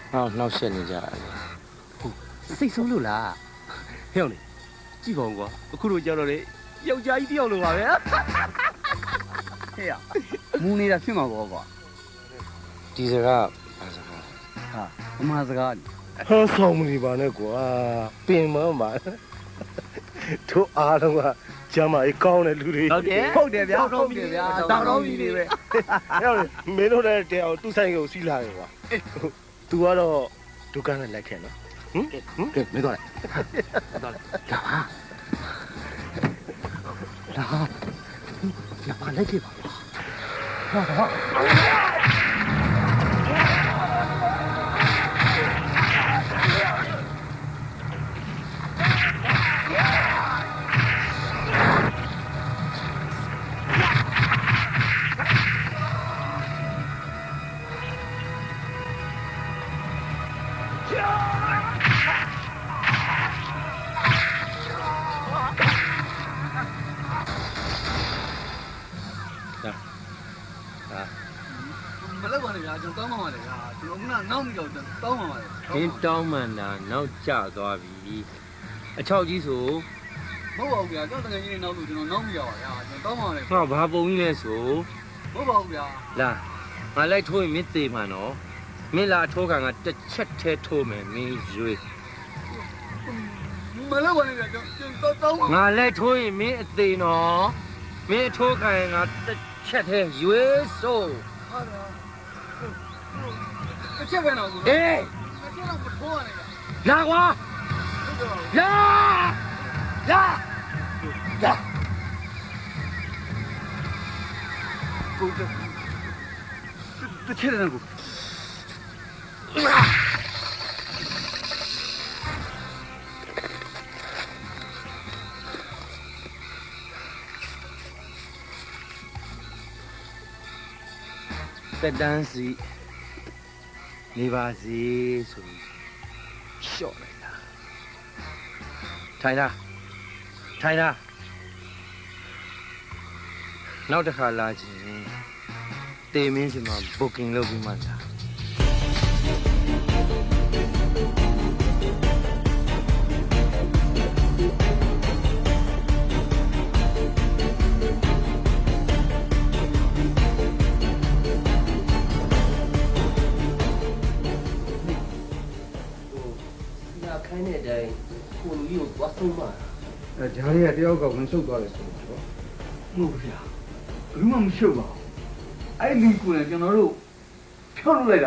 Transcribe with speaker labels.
Speaker 1: နှောက်ရှက်နေကြတယ်
Speaker 2: စိတ်ဆိုးလို့လားဟဲ့အောင်လေကြည့်ပါဦးကွာအခုတို့ကြောက်တော့လေယောက်ျားကြီးတယောက်လိုပါပဲဟဲ့ရမူနေတာဖြစ်မှာပေါ့ကွာ
Speaker 1: ဒီစကားဘာစကား
Speaker 2: ဟာအမှားစကား
Speaker 3: ဟောဆောင်မနေပါနဲ့ကွာပင်မပါတို့အားလုံးကကျမ်းမာရေးကောင်းတဲ့လူတွေ
Speaker 2: ဟုတ်တယ်ဗျာတောက်တော့ပြီနေပဲ
Speaker 3: ဟဲ့မင်းတို့လည်းတရားသူ့ဆိုင်ကိုစီးလာတယ်ကွာသူကတော့ဒုက္ခနဲ့လက်ခဲ့နော်
Speaker 2: ကဲမင်းတော့လိုက်တော့လာပါလိုက်ခဲ့ပါမလောက်ပါနဲ့ဗျာကျွန်တော်တောင်းပါပါလေဗျာကျွန်တော်ကနောက်မိတော့တောင်းပါပါလေ
Speaker 1: ။ဒီတောင်းမှန်တာနောက်ကျသွားပြီ။အချောက်ကြီးဆို
Speaker 2: မဟုတ်ပါဘူးဗျာကျွန်တော်တကယ်ကြီးနေနောက်လို့ကျွန်တော်နောက်မိရပါဗျာကျွန်တော်တောင်းပါပါလေ
Speaker 1: ငါဘာပုံကြီးလဲဆို
Speaker 2: မဟုတ်ပါဘူးဗျာ
Speaker 1: လာငါလိုက်ထိုးရင်မင်းသေးမှနော်။မင်းလာထိုးကန်ကတစ်ချက်ထဲထိုးမယ်မင်းရွေး
Speaker 2: မလောက်ပါနဲ့ဗျာကျွန်တော်တောင်းပါ
Speaker 1: ။ငါလိုက်ထိုးရင်မင်းအသေးနော်။မင်းအထိုးကန်ကတစ်ချက်ထဲရွေးဆို
Speaker 2: ဟာဗျာတစ်ချက်ပဲတော့ကို
Speaker 1: အေး
Speaker 2: တစ်ချက်တော့မထိုးရနဲ့ဗျာ
Speaker 1: လာကွာလာလာလာ
Speaker 2: ကိုတစ်ချက်တော့ကို
Speaker 1: တက်တန်းစီနေပါစေဆိုပြီးရှော့လိုက်တာထိုင်လားထိုင်လားနောက်တစ်ခါလာခြင်းတေမင်းစီမှာ booking လုပ်ပြီးမှလာခိုင်းတဲ့အတိုင်းကိုလူကြီးကိုသွားဆုံးမှာ
Speaker 4: ဂျားလေးကတယောက်ကဝင်ဆုတ်သွားတယ်ဆိုတော့
Speaker 2: မဟုတ်ဗျာဘယ်မှမရှုပ်ပါဘူးအဲ့ဒီကိုလည်းကျွန်တော်တို့ဖြောက်လုပ်လိုက်